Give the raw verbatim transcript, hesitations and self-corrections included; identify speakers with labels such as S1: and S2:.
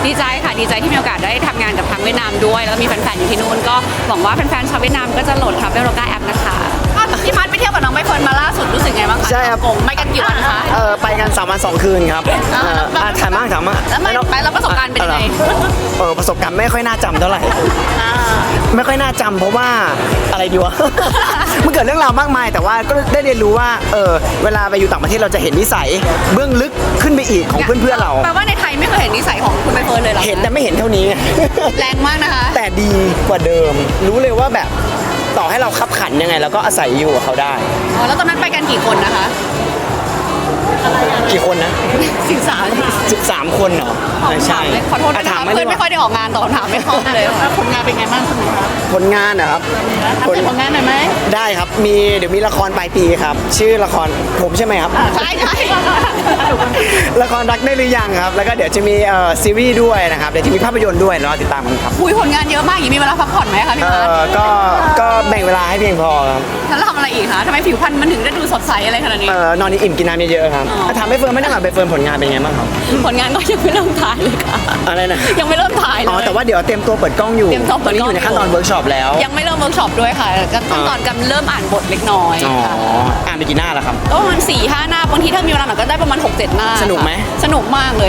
S1: ดีใจค่ะดีใจที่มีโอกาสได้ทำงานกับทางเวียดนามด้วยแล้วก็มีแฟนๆอยู่ที่นู่นก็หวังว่าแฟนๆชาวเวียดนามก็จะโหลด Travel Loga App นะคะพี่พัดไปเที่ยวกับน้องใบเฟิร์นมาล่าสุดรู้สึกไงบ้างคะ
S2: ใช่ครับ
S1: ฮ่องกงไปกันกี่วันคะ
S2: เออไปกันสามวันสองคืนครับเอออ่ะถ่ายมากถ่ายมาก
S1: แล้วมันไปแล้วประสบการณ์เป็นยังไง
S2: เออประสบการณ์ไม่ค่อยน่าจำเท่าไหร่
S1: อ่า
S2: ไม่ค่อยน่าจำเพราะว่าอะไรดีวะ มันเกิดเรื่องราวมากมาย แต่ว่าก็ได้เรียนรู้ว่าเออเวลาไปอยู่ต่างประเทศเราจะเห็นนิสัยเบื้องลึกขึ้นไปอีกของเพื่อนๆเรา
S1: แปลว่าในไทยไม่เคยเห็นนิสัยของคุณใบเฟิร์นเลยเหรอ
S2: เห็นแต่ไม่เห็นเท่านี้
S1: แรงมากนะคะ
S2: แต่ดีกว่าเดิม รู้เลยว่าแบบต่อให้เราขับขันยังไงเราก็อาศัยอยู่กับเขาได้
S1: อ๋อแล้วตอนนั้นไปกันกี่คนนะคะ
S2: กี่คนนะ
S1: สิบสาม
S2: สิบสามคนเหรอใช่
S1: ขอโทษนะ
S2: ะ
S1: คะ
S2: ถาม
S1: เพื่อนไม่ค่อยได้ออกงานตอบคำถามไม่คล่องเลยค่ะ
S3: ผลงานเป็นไงบ้างคุณคะ
S2: ผลงานนะครับ
S3: ทำเป็นผลงานหน่อยไหม
S2: ได้ครับ มีเดี๋ยวมีละครปลายปีครับ ชื่อละครผมใช่ไหมครับ
S1: ใช่ใช่
S2: ละครรักได้หรือยังครับ แล้วก็เดี๋ยวจะมีเอ่อซีรีส์ด้วยนะครับ เดี๋ยวจะมีภาพยนตร์ด้วยรอติดตามกันครับ
S1: คุยผลงานเยอะมากอย่างนี้มีเวลาพักผ่อนไหมคะพี่
S2: เอ่
S1: พัด
S2: อก็ก็แบ่งเวลาให้เพียงพอครับ
S1: แล้วทำอะไรอีกคะทำไมผิวพรรณมันถึงได้ดูสดใสอะไรขนาดนี้
S2: เอ่อนอนอิ่มกินน้ำเยอะๆครับ
S1: อ๋อ
S2: ถ้าถามไปเฟิร์นไม่ได้หรอกไปเฟิร์นผลงานเป็นไงบ้างครับ
S1: ผลงานก็ยังไม่เริ่มถ่ายเลยค่ะ
S2: อะไรนะ
S1: ยังไม่เริ่มถ่ายเลย
S2: อ๋อแต่ว่าเดี๋ยวเตรียมตัวเปิดกล้องอยู่
S1: เตรียมตัวเปิดกล้อง
S2: ตนนี้อยู่ในขั้นตอนเวิร์กช็อปแล้ว
S1: ยังไม่เริ่มเวิร์กช็อปด้วยค่ะก็ขั้นตอนกำลังเริ่มอ่านบทเล็กน้อย
S2: อ๋อ
S1: ค่ะ
S2: อ่านไปกี่หน้าแล้วครับ
S1: ก็ประมาณสี่ห้าหน้าบางทีถ้ามีเวลาหน่อยก็ได้ประมาณหกเจ็ดหน้า
S2: สนุกไหม
S1: สนุกมากเลย